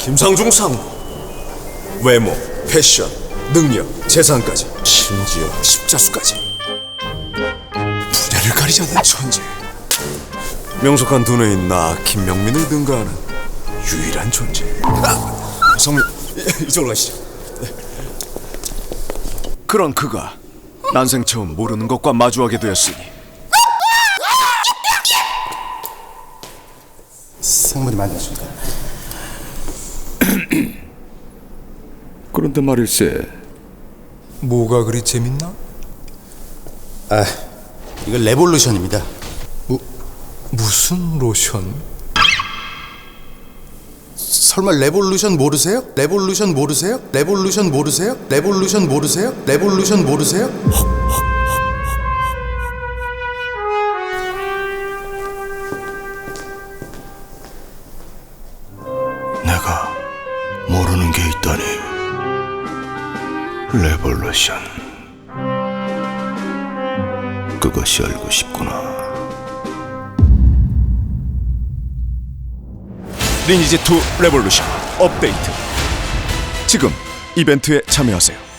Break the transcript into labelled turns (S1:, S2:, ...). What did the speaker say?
S1: 김상중 상무. 외모, 패션, 능력, 재산까지, 심지어 십자수까지. 분야를 가리지 않는 천재. 명석한 두뇌인 나 김명민을 능가하는 유일한 존재. 성민, 이쪽으로 가시죠. 그런 그가 난생 처음 모르는 것과 마주하게 되었으니
S2: 상무님 안녕하십니까?
S3: 그런데 말일세,
S1: 뭐가 그리 재밌나?
S2: 아, 이거 레볼루션입니다.
S1: 무슨 로션?
S2: 설마 레볼루션 모르세요? 레볼루션 모르세요? 레볼루션 모르세요? 레볼루션 모르세요? 레볼루션 모르세요?
S4: 내가 모르는 게 있다니. 레볼루션. 그것이 알고 싶구나.
S1: 리니지2 레볼루션 업데이트. 지금 이벤트에 참여하세요.